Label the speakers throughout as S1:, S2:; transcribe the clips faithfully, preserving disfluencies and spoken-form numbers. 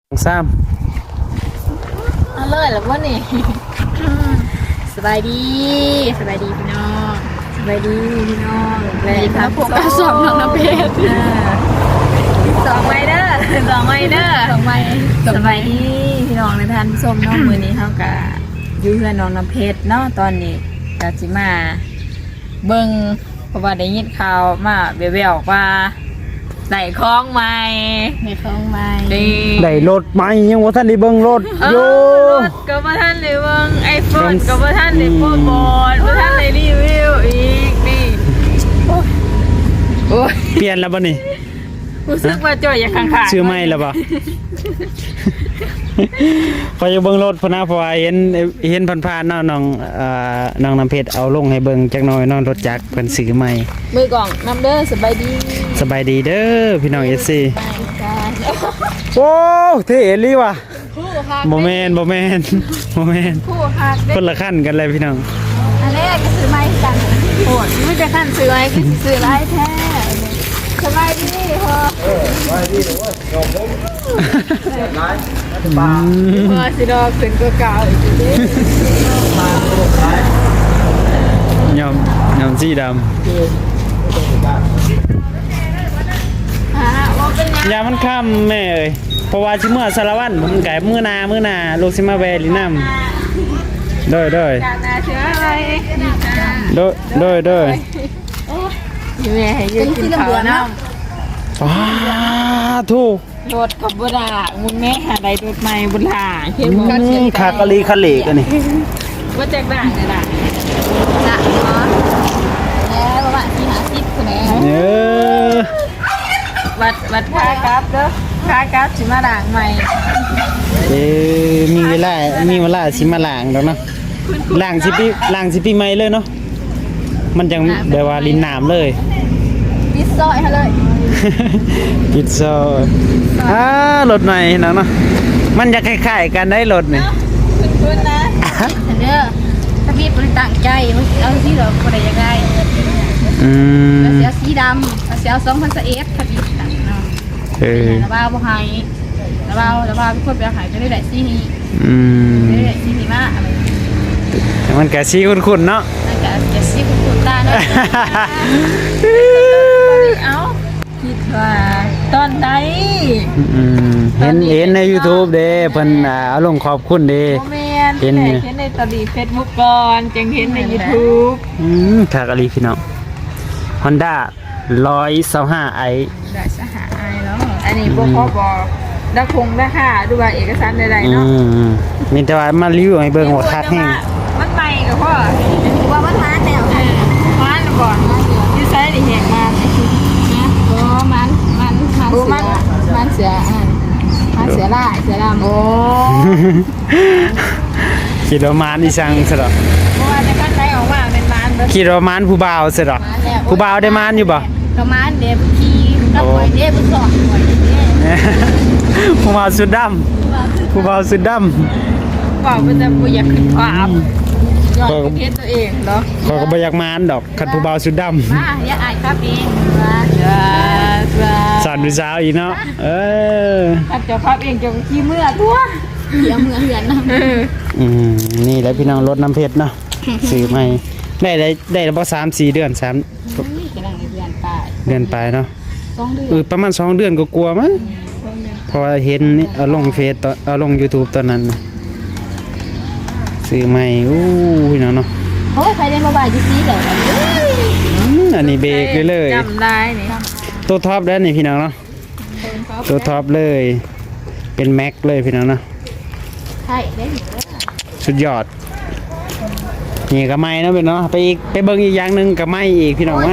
S1: ซ้
S2: เอาเลยแล้วว่านี่ สบายดีสบายดีพี่น้องสบายดีพี่น้องเลยครับผมก็สอบน้องน้ำเพชรสองไมเดอร์สองไมเดอร์สองไมสบายดีพี่น้องในท่านส้มน้องมือนี้เขากับยูเพื่อนน้องน้ำเพชรเนาะตอนนี้กาจิมาเบิ้งเพราะว่าได้ยินข่าวมาเบลๆว่าได้คล้องใหม่ได้คล้องใหม่ดี
S1: ำได้รถไหมยังว่าท่านได้เบิ่งรถ
S2: เอ
S1: โย
S2: อรถก็บ่ท่านได้เบิ่งไอโฟนก็บ่ท่านได้โปรโมทบ่ท่านได้รีวิวอีกนี่โอ้ย
S1: เปลี่ยนแล้วบ่นี่
S2: รู้สึกว่าจ่อยอย่าข้างๆ
S1: ชื่อไม่แล้วบ่ พอจะเบิ่งรถพนะเพราะว่าเห็นเห็นผ่านๆเนาะน้องเอ่อน้องน้ำเพชรเอาลงให้เบิ่งจักหน่อยเนาะรถจักรเพิ่นซื้อใหม่
S2: มือกล่องน้ำเด้อสบายดี
S1: สบายดีเด้อพี่น้อง เอส ซี
S2: ไปกัน
S1: โอ้เท่อีหลีว่ะ
S2: คู่คัก
S1: บ่แม่นบ่แม่นบ่แม่น
S2: คู่คักเด้
S1: คนละขั้นกันเลยพี่น้อง
S2: อันนี้ก็ซื้อไม้กันโหดไม่จะขั้นซื้อไม้ก็ซื้อไม้แท้สบายดีพอเออสบายดีเด้อพอสิดอกขึ้นกว่าเก่าอีกเด้
S1: ยอมยอมสีดำ
S2: ฮะว่าเป็นยัง
S1: ยามันค่ำแม่เอ้ยเพราะว่าสิเมื่อสารวัตรมันไก่มื้อนามื้อนาลูกสิมาแวลิน้ำโดยโดย
S2: การนาเชื้ออะไร
S1: โดยโดยโดย
S2: อยู่แม่ให้ยืนกินข้าวน้
S1: ว้าทูก
S2: ำรถขับบุดามุนแม่หาใดรถใหม่บุญหาเขียน
S1: อื
S2: ว่าเขียน
S1: มคากะลีคาเหลกันนี่
S2: ว่าแจกด่างเลยด่างด่างเนาะแล้วประมาณที่หาสิบคนแน่
S1: เออ
S2: วัดวัดค่ากราฟเด้อค่ากราฟสิมาด่างใหม่
S1: เอ้มีเวลามีเวลาสิมาล้างดอกเนาะล้างสิปีล้างสิปีใหม่เลยเนาะมันจังแบบว่าลินน้ำเลย
S2: ปิดซอยให้เลย
S1: ปิดโซอ่ารถใหม่เนาะเนาะมันจะคล้ายๆกันได้รถนี่
S2: คุณคุณนะเด้อถ้าพี่บริตั้งใจมันเอาที่เราคนใดยังไง
S1: อืม
S2: เสียสีดำเสียสองพันสเอสถ้าพี่ตั้งเนาะ
S1: เออ
S2: ระบาบ่หายระบาระบาเป็นคนไปหายจะได้ได้สีนี้
S1: อืม
S2: ได้ได้สีนี้มาอะไร
S1: แต่มันกะซีคุ้นๆเนาะ
S2: นั่นก็จะสีคุณตาเนาะเอ้าคิดว่าตอนใด
S1: อืมเห็นเห็นใน YouTube เด้เพิ่นอ่าเอาลงขอบคุณเด้
S2: โมเมนเห็นเห็นในตอรี่เฟซบุ๊กก่อนจึงเห็นใน YouTube
S1: อืมคากะลีพี่น้อง Honda หนึ่งร้อยยี่สิบห้า i
S2: ได้สหายเนาะอันนี้บ่พอบอกดักคงราคาดูว่าเอกสารใดๆ
S1: อื
S2: เนาะ
S1: มมีแต่ว่ามารีวิวให้เบิ่งว่าคักแฮง
S2: มันใหม่กับพ่อว่ามันมาแล้วมาแล้วก่อนที่ใช้ได้แหกมานะโอ้มันมันมันเสือมันเสืออ่านมันเสือลายเสือดำโอ้
S1: คิดว่ามานอีสังซะดอก
S2: เพราะว่าจะกันได้ออกมาเป็นมันเบิด
S1: คิดว่ามานผู้บ่าวซะดอกผู้บ่าวได้มานอยู่บ่
S2: ก็มันเด็บขี้กับปล่อยเด็บสอนปล่อยเด็บ
S1: ผู้บ่าวสุดดำผู้บ่าวสุดดำ
S2: บอกว่าจะบ่อยากขึ้นความยอดประเทศตัวเองเนาะ
S1: เขาก็บ่อยากมานดอกคันผู้บ่าวสุดดำ
S2: มาอย่าอายครับเองว่าจ้าจ้า
S1: สอนผู้สาวอีกเนาะเออ
S2: ถ้าเจ้าครับเองเจ้าก็ขี้เมื่อตัวเสียเมื่อเหือนนะ
S1: อืมนี่แหละพี่น้องรถน้ำเพชรเนาะ ซื้อใหม่ได้ได้ได้แล้วบ่สามสี่เดือนสาม
S2: นี่กำลังเดือนปลาย
S1: เดือนไปเนาะ
S2: สองเดือน
S1: เออประมาณสองเดือนก็กลัวมั้งเพราะว่าเห็นนี่เอาลงเฟซตอนเอาลง YouTube ตอนนั้นน่ะซื้อใหม่อู้พี่น้องเนาะ
S2: โอ้ยใครได้มาบ่ายจะซีเลย
S1: อืมอันนี้เบรกเลยเลย
S2: จำได้นี่
S1: ตัวท็อปแล้วนี่พี่น้องเนาะตัวท็อปเลย เป็นแม็กเลยพี่น้องเนาะ
S2: ใช่ได้
S1: สุดยอดนี่ก็ไม่เนาะเป็นเนาะไปอีกไปเบิ่งอีกอย่างหนึงก็ไม่อีกพี่น้องมา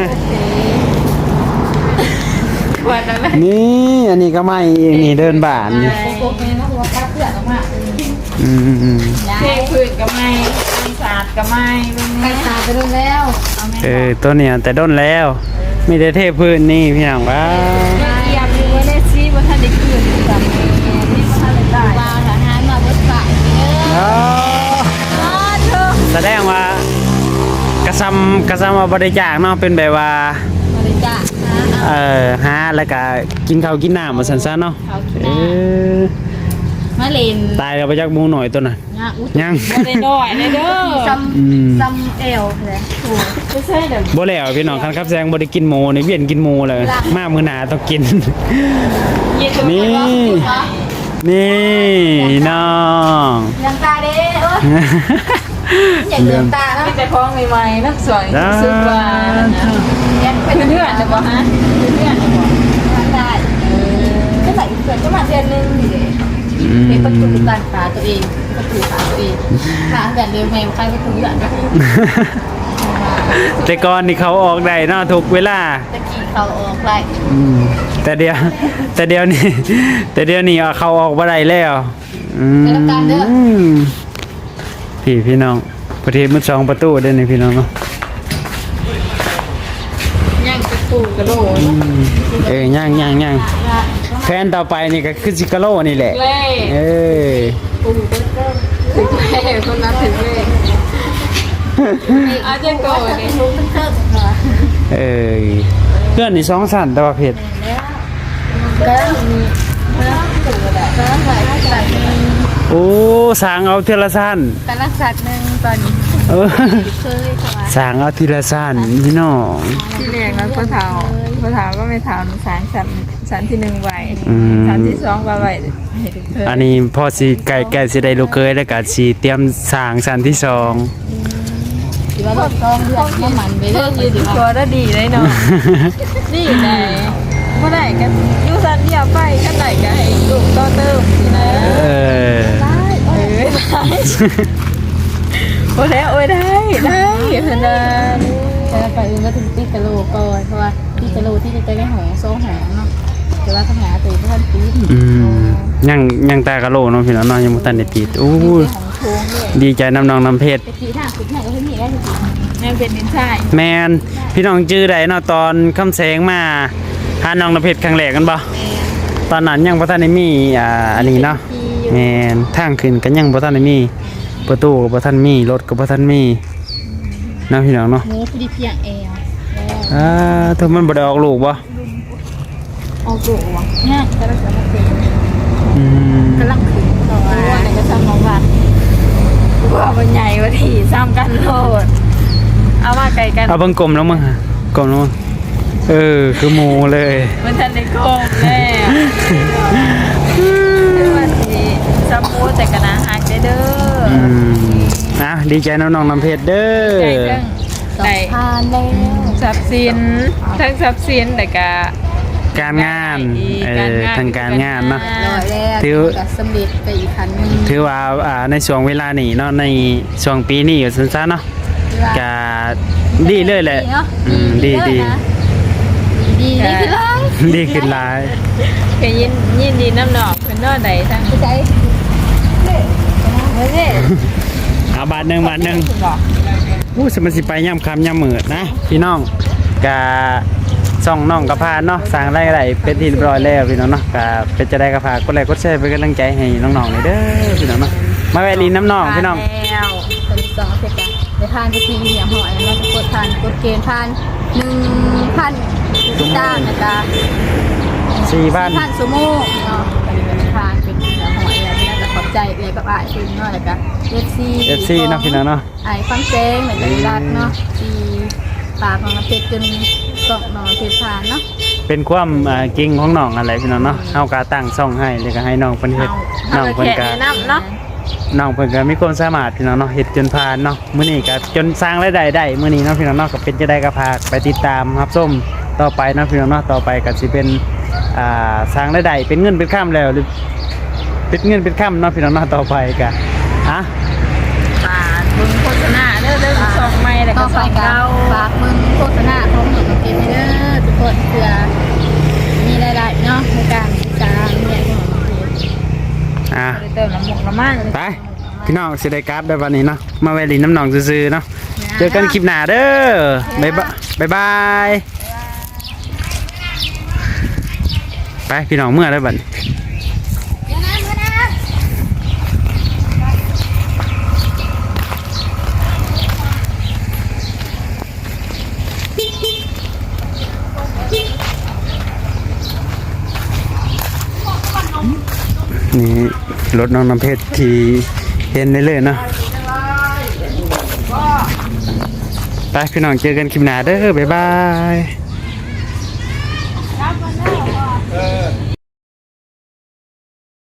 S2: วันนั้น
S1: นี่อันนี้ก็ไม่อีกนี่เดินบ้านนี่
S2: โกกเลยนะหัวกระเพื่อนออกมา
S1: อืมอืม
S2: เทพื้นก็ไม่ปีศาจก็ไม่ไปศาจไปโดนแล้วเอาแม่
S1: เออตัวเนี้ยแต่ด้นแล้วมีแต่เทพื้นนี่พี่น้องว้า
S2: เกียบอยู่ว่าได้ซีว่าท่านได้คืนกับนี่ว่าท่านได้ได้ว่าทหารมาบดฝ่ายเด้อ
S1: อ๋อ
S2: อ๋อเธอ
S1: แสดงว่ากระซำกระซำว่าบริจาคเนาะเป็นแบบว่า
S2: บริจาคนะ
S1: เอ่อหาแล้วก็กินข้าวกินน้ำมาสันๆเนาะเออ
S2: มาเล่น
S1: ตายแล้วไปจักหมูหน่อยตัวน่ะ
S2: นะอุ้ย
S1: ยัง
S2: บ่ได้น้อยเลยเด้อซัม
S1: อืม
S2: ซัมเอลเลยโอ้ไม่ใช่เด้อ
S1: บ่แล้วพี่น้องคันครับแซงบ่ได้กินหมูนี่เวียนกินหมูเลยมามื้อหน้าต้องกิน นี่ นี่น้อง
S2: ยังตาเด้เอ้ยอย่าเดือดตาเนาะ
S3: แต่พ้องใหม่ๆนักสวย
S1: จ้า
S3: สุดว่า
S2: แอนเป็น
S3: เพื่อนๆจะบอกฮะเพื่อนๆจะบอก
S2: ทำได้ก็ใส่เพื่อนก็มาเดือนนึงนี่เด้
S1: อืม
S2: เป็นประตูการขาตัวเองประตูขาตัวเองขาแบบเดิมแมวใครประตูอย่างนี้
S1: แต่ก่อนนี่เขาออกได้เนาะทุกเวลา
S2: ตะกี้เขาออกไล่
S1: อืมแต่เดียว แต่เดียวนี่ แต่เดียวนี่เอาเขาออกบ่ได้แล้วอืมพี่พี่น้องประเทศมืดสองประตูเด้อนี่พี่น้องเนาะ
S3: ย่างกระปูกระโหลก
S1: อืมเอ้ยย่างย่างย่างแฟนต่อไปนี่ก็คือซิกาโลนี่แหละ
S3: เล่
S1: เอ้ย
S3: ถึงเล่คนนั้นถึงเล่อาจจะโกรธเนี่ย
S2: รู้เป็นเติมเหรอ
S1: เอ้ยเพื่อนนี่สองสันแต่ว่าเผ็ด
S2: ก็มีเมื่อถึงแล้วก็ใส่ใส่
S1: โอ้สางเอาทีละสั้น
S2: แต่ละสัตว์หนึ่งตอนนี้
S1: เออ
S2: เคยค่ะ
S1: สางเอาทีละสั้นพี่น้อง
S3: ที่เรียกนั้นพ่อเฒ่าพ่อเฒ่าก็ไม่เฒ่าสารสันสันที่หนึ่งไหว
S1: อืม
S3: สันที่สองว่าไหวให้ถึงเธอ
S1: อันนี้พอสิไก่ไก่สิได้ลูกเคยแล้วก็สิเตรียมสางสันที่สอง
S2: ถือว่าแบบต้องเลือกน้ำมันไป
S3: เพื่
S2: เรื่
S3: อ
S2: อน ย
S3: ยืนตัวได้ดีเลยเนาะนี่ไหนเมื่อไหร่กันยูสันเดียวไปกันไหนกันให้ลูกต่อเติมนี่นะ
S1: เออ
S2: ได้
S3: เอ้ยได้โอ้ยโอ้ยได้ได้ขนาด
S2: แต่ไปอื่นก็ถึงตีกะโลก่อนเพราะว่าตีกะโลที่จะได้หอโซ่หอเนาะแต่ว่าขนาดตีก็ทันตี
S1: อืมยังยังตากะโลเนาะพี่น้องเนาะยังบ่ทันได้ติดอู้
S2: ของโค้งด้วย
S1: ดีใจน้ำน้องน้ำเพชร
S2: ไปตีทางสุดไหนก็ที่นี่ได้ทุกที
S3: แม่เป็นดินชาย
S1: แมนพี่น้องจื้อได้เนาะตอนคำแสงมาหาน้องน้ำเพชรครั้งแรกกันบ่ตอนนั้นยังบ่ทันได้มีอ่าอันนี้เนาะแมนทางขึ้นก็ยังบ่ทันได้มีประตูก็บ่ทันมีรถก็บ่ทันมีเนาะพี่น้องเนาะ
S2: หมูพอดีเพียงเอว
S1: อ่าถ้ามันบ่ได้ออกลูกบ่
S2: ออกโกวะเนี่ยกำลังจะมาเซ็น
S1: อืม
S2: กำลังขึ้นต่อ
S3: รู้ว่าไหนก็ซ้ำน้องวัดว่ามันใหญ่กว่าที่ซ้ำกันโลดเอามาไกลกัน
S1: เอาเบิ่งกลมแล้วมึงฮะกลมแล้วมึงเออคือหมูเลย
S3: มันทันในโกงแล้วคือวันที่ซ้ำมูแต่กันนะฮักได้เด้อ
S1: อืมอ่ะดีใจน้องน้องน้ำเพชรเด้
S3: ใจ
S1: อ
S3: เรื่อง
S2: ผ่านแล้ว
S3: ทรัพย์สินทั้งทรัพย์สินแต่ก็
S1: การงานเออทางการงานเนาะ
S2: ร้อยแล้ว
S1: ถือ
S2: กับสำเร็จไปอีกคันหนึง
S1: ถือว่าอ่าในช่วงเวลานี้เนาะในช่วงปีนี้อยู่สั้นๆเนาะก็ดีเลยแหละอืมดีดี
S2: ดีดีขึ้นเลย
S1: ดีขึ้นหลาย
S3: ก็ยินยินดีน้ำหนอกเป็นนอใดทั้ง
S2: ใจ
S3: เฮ้ย
S1: เอาบาทหนึ่งบาทหนึ่ง
S3: บอก
S1: อู้สมันสิไปย่ำคำย่ำมืดนะพี่น้องกะส่องน้องกระพานเนาะสร้างไรไรเป็นที่เรียบร้อยแล้วพี่น้องเนาะกะเป็นจะได้กระพากดไลค์กดแชร์เป็นกำลังใจให้น้องๆเลยเด้อพี่น้องเนาะมาแวะลินน้ำน้องพี่น้อง
S3: แล้ว
S2: ตอนที่สองเสร็จแล้วไปทานไปทีเหนียวหอยแล้วก็กดทานกดเกณฑ์ทานหนึ่งพันจ้างนะจ๊ะ
S1: สี่พัน
S2: พันสมูเนาะไปทานเป็นเหนียวหอยแล้วน่าจะขอบใจเลยกับอ้ายคุณเนาะแล้วก็เอฟซี
S1: เอฟซีเนาะพี่น้องเนาะ
S2: ไอ้ฟังเซงเหมือนกันรัดเนาะที่ปากของน้ำเพชรจนสองน้องเพชรผ่านเนาะ
S1: เป็นความอ่าเก่งของน้องอะไรพี่น้องเนาะเฮากาตั้งซ่องให้เลยก็ให้น้องเพิ่นเฮ็ดน้
S3: เอา
S1: อง
S3: ไป
S1: เพิ่น
S3: แขก
S1: ก็
S3: แนะนำเนาะ
S1: น้องเพิ่นก็มีความสามารถพี่น้องเนาะเฮ็ดจนผ่านเนาะมื้อนี้ก็จนสร้างรายได้ได้มื้อนี้เนาะพี่น้องเนาะก็เป็นจะได้ก็พากไปติดตามรับชมต่อไปเนาะพี่น้องเนาะต่อไปก็สิเป็นอ่าสร้างรายได้เป็นเงินเป็นค่ำแล้วหรือเป็นเงินเป็นค่ำเนาะพี่น้องเนาะต่อไปก็อ่ะ
S3: ปาดบึงโฆษณาเด้อเด้อสองไม้แล้ว
S2: ต่
S3: ก็
S2: อ
S3: ส
S2: ไป
S3: อง
S2: กั
S3: เก้า
S2: ฝากมึงโฆษณาของหนูกับเกมเด้อทุกคนเพื่อมีรายได้เนาะในการศึกษาเรียนของน้องเพชร
S1: อ่ะ
S3: เติมน้ำหมกน้ำมัน
S1: ไปพี่น้องสิได้กราฟได้วันนี้เนาะมาแวะลินน้ำน้องซื่อๆเนาะเจอกันคลิปหน้าเด้อบ๊ายบายบ๊ายบายไปพี่น้องเมื่อได้บัดนี้ นี่รถน้องน้ำเพชรที่เห็นได้เลยเนาะไปพี่น้องเจอกันคลิปหน้าเด้อบ๊ายบาย